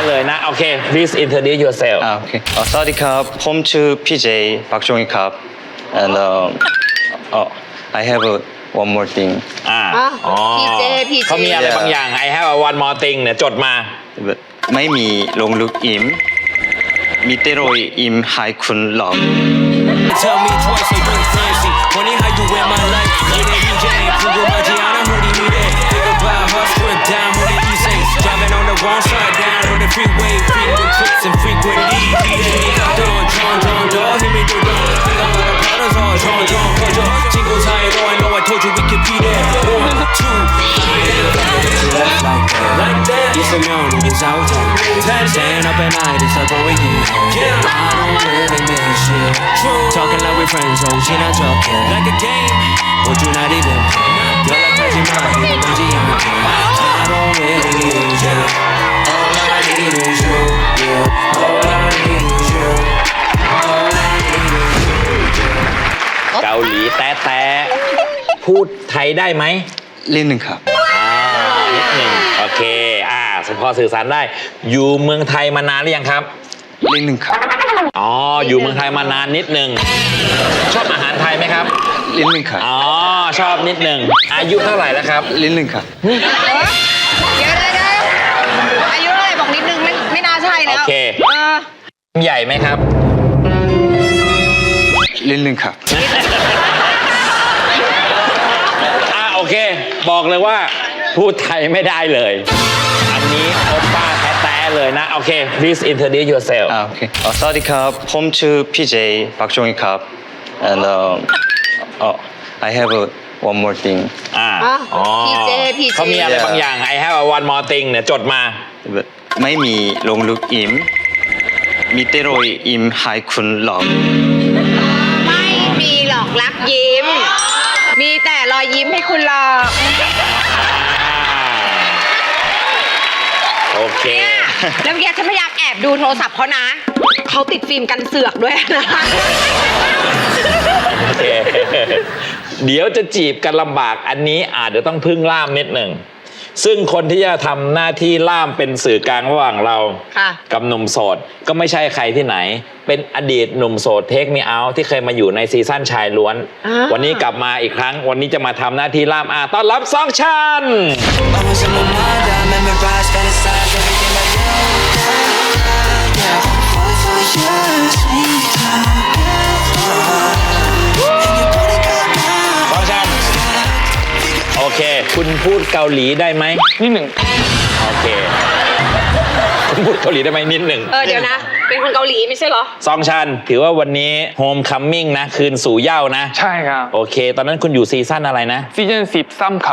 เลยนะโอเค please introduce yourself โอเคสวัสดีครับผมชื่อพี่เจปักจงอีครับ and I have one more thing พี่เจเขามีอะไรบางอย่าง I have one more thing เนี่ยจดมาไม่มีลงลึกอิมมีแต่รอยอิมให้คุณหลอก Tell me twice so you fancy. Funny how you wear my life. Yeah, that DJ ain't Google my Gianna hoodie me there. Think about her strip down on the east side. Driving on the wrong side down on the freeway. Frequent trips and frequent leads. John, hear me do dog. Think about the brothers all John, Kojo. Jingles high though I know I told you we could be there. 1, 2, like that. Yes, I'm young, it's out time. Staying up at night, it's like what we get. Yeah, I don't really miss you. Talking like we're friends, oh, she not talking. Like a game, but you not even. You're like touching my head, but you ain't. I don't really need you. All I need is you, yeah. All I need is you. All I need is you. เกาหลีแต๊ะพูดไทยได้ไหมเล่นหนึ่งครับนิดหนึ่งโอเคพอสื่อสารได้อยู่เมืองไทยมานานหรือยังครับเล่นหนึ่งครับอ๋ออยู่เมืองไทยมานานนิดหนึ่งชอบอาหารไทยไหมครับเล่นหนึ่งครับอ๋อชอบนิดหนึ่งอายุเท่าไหร่แล้วครับเล่นหนึ่งครับเดี๋ยวอายุเท่าไหร่บอกนิดนึงไม่น่าใช่แล้วโอเคใหญ่ไหมครับเล่นหนึ่งครับโอเคบอกเลยว่าพูดไทยไม่ได้เลยอันนี้โอป้าแท้ๆเลยนะโอเค please introduce yourself โอเคสวัสดีครับผมชื่อพี่เจปักจงอีครับ and I have one more thing พี่เจเขามีอะไรบางอย่าง I have one more thing เนี่ยจดมาไม่มีลงลึกอิมมีแต่รอยอิมให้คุณหลอกไม่มีหลอกรักยิ้ม มีแต่รอยยิ้มให้คุณหลอกโอเคแล้วเมื่อกี้ฉันพยายามแอบดูโทรศัพท์เขานะเขาติดฟิล์มกันเสือกด้วยนะโอเคเดี๋ยวจะจีบกันลำบากอันนี้อาจจะต้องพึ่งล่ามนิดหนึ่งซึ่งคนที่จะทำหน้าที่ล่ามเป็นสื่อกลางระหว่างเรากับหนุ่มโสดก็ไม่ใช่ใครที่ไหนเป็นอดีตหนุ่มโสดเทคมีเอาที่เคยมาอยู่ในซีซั่นชายล้วนวันนี้กลับมาอีกครั้งวันนี้จะมาทำหน้าที่ล่ามต้อนรับซองชันโอเคคุณพูดเกาหลีได้ไหมนิดหนึ่งโอเคคุณพูดเกาหลีได้ไหมนิดหนึ่งเดี๋ยวนะเป็นคนเกาหลีไม่ใช่เหรอซองชันถือว่าวันนี้โฮมคัมมิ่งนะคืนสู่เหย้านะใช่ครับโอเคตอนนั้นคุณอยู่ซีซั่นอะไรนะซีซั่น13ครับ